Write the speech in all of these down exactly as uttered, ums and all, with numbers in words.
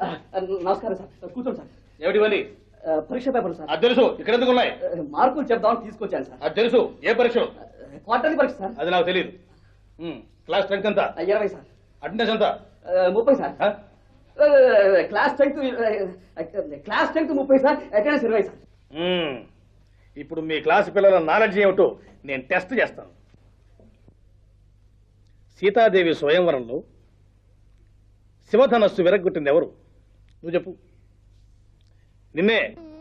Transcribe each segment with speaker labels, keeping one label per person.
Speaker 1: నమస్కారం సార్, కూర్చోండి సార్.
Speaker 2: ఏమిటివన్నీ?
Speaker 1: పరీక్ష పేపర్లు సార్.
Speaker 2: అది తెలుసు. ఇక్కడ ఎందుకు ఉన్నాయి?
Speaker 1: మార్కులు చెప్దామని తీసుకొచ్చాను సార్.
Speaker 2: అది తెలుసు. ఏ పరీక్ష?
Speaker 1: క్వార్టర్లీ పరీక్ష సార్.
Speaker 2: అది నాకు తెలియదు. క్లాస్ స్ట్రెంగ్త్ ఎంత?
Speaker 1: ఇరవై సార్.
Speaker 2: అటెండెన్స్ ఎంత?
Speaker 1: ముప్పై sir. Class strength class strength ముప్పై సార్, అటెండెన్స్ ఇరవై సార్.
Speaker 2: ఇప్పుడు మీ క్లాస్ పిల్లల నాలెడ్జ్ ఏమిటో నేను టెస్ట్ చేస్తాను. సీతాదేవి స్వయంవరంలో శివధనస్సు విరగ్గొట్టింది ఎవరు? నువ్వు చెప్పు. నిన్నే.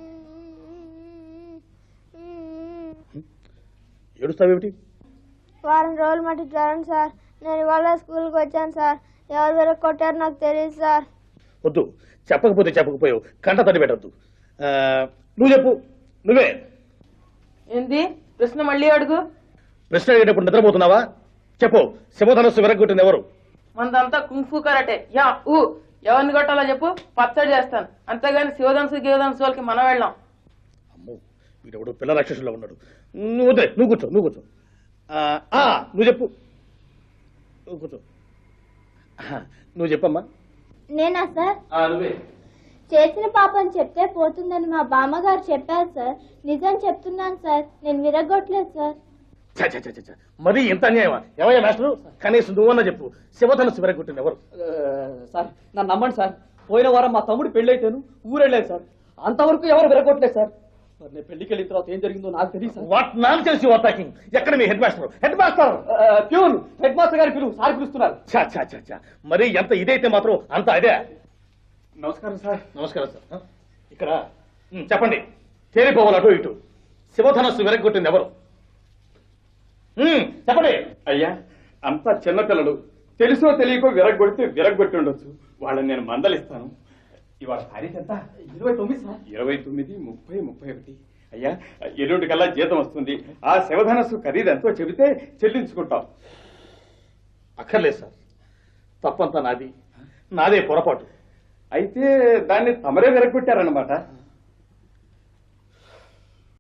Speaker 2: ఏడుస్తావేమిటి?
Speaker 3: వారం రోజులు మట్టి జ్వరం సార్. నేను ఇవాళ స్కూల్కి వచ్చాను సార్. ఎవరు వేరే కొట్టారు నాకు తెలియదు సార్.
Speaker 2: వద్దు, చెప్పకపోతే చెప్పకపోయావు, కంట తడి పెట్టద్దు. నువ్వు చెప్పు. నువ్వే.
Speaker 4: ఏంది ప్రశ్న? మళ్ళీ అడుగు.
Speaker 2: ప్రశ్న అడిగేటప్పుడు నిద్రపోతున్నావా? చెప్పు. శివధనస్సు విరగ్గొట్టింది ఎవరు?
Speaker 4: మనదంతా కుంఫు కరాటే. యా ఊ ఎవరిని కొట్టాలో చెప్పు, పచ్చడి చేస్తాను. అంతేగాని శివధనుసు గివధనుసు వాళ్ళకి మనం వెళ్ళాం.
Speaker 2: అమ్మో, వీడెవడు పిల్ల రాక్షసులో ఉన్నాడు. నువ్వు వద్దే, నువ్వు కూర్చో, నువ్వు కూర్చో. నువ్వు చెప్పు. నువ్వు కూర్చో. నువ్వు చెప్పమ్మా.
Speaker 3: నేనా సార్?
Speaker 2: నువ్వే.
Speaker 3: చేసిన పాపం చెప్తే పోతుందని మా బామ్మగారు చెప్పారు సార్. నిజం చెప్తున్నాను సార్, నేను విరగొట్టలేదు సార్.
Speaker 2: మరి ఇంత అన్యాయమా? ఏమయ్యా మాస్టరు, కనీసం నువ్వన్నా చెప్పు. శివధనుస్సు విరగొట్టింది ఎవరు?
Speaker 1: సార్ నన్ను నమ్మండి సార్, పోయిన వారం మా తమ్ముడు పెళ్లి అయితేను ఊరెళ్ళలేదు సార్. అంతవరకు ఎవరు విరగొట్టలేదు సార్. మరి నేను పెళ్లికి వెళ్ళిన తర్వాత ఏం జరిగిందో నాకు తెలియదు sir.
Speaker 2: What nonsense you are talking. ఎక్కడ మీ head master? Head master
Speaker 1: peon head master గారి పిలువు, సార్ పిలుస్తున్నారు.
Speaker 2: చా చా చా చా మరి ఎంత ఇదైతే మాత్రం అంత అదే.
Speaker 1: నమస్కారం సార్.
Speaker 2: నమస్కారం సార్. ఇక్కడ చెప్పండి, తేలిపోవాలి అటు ఇటు. శివధనస్సు విరగొట్టింది ఎవరు? చెప్పండి.
Speaker 5: అయ్యా, అంతా చిన్నపిల్లలు, తెలుసో తెలియకో విరగొడితే విరగొట్టి ఉండొచ్చు. వాళ్ళని నేను మందలిస్తాను. ఇవాళ తారీఖు ఎంత?
Speaker 1: ఇరవై తొమ్మిది సార్.
Speaker 5: ఇరవై తొమ్మిది ముప్పై ముప్పై ఒకటి. అయ్యా, ఎల్లుండి కల్లా జీతం వస్తుంది. ఆ శివధనస్సు ఖరీదు ఎంతో చెబితే చెల్లించుకుంటాం.
Speaker 2: అక్కర్లేదు సార్, తప్పంతా నాది. నాదే పొరపాటు.
Speaker 5: అయితే దాన్ని తమరే విరగొట్టారన్నమాట.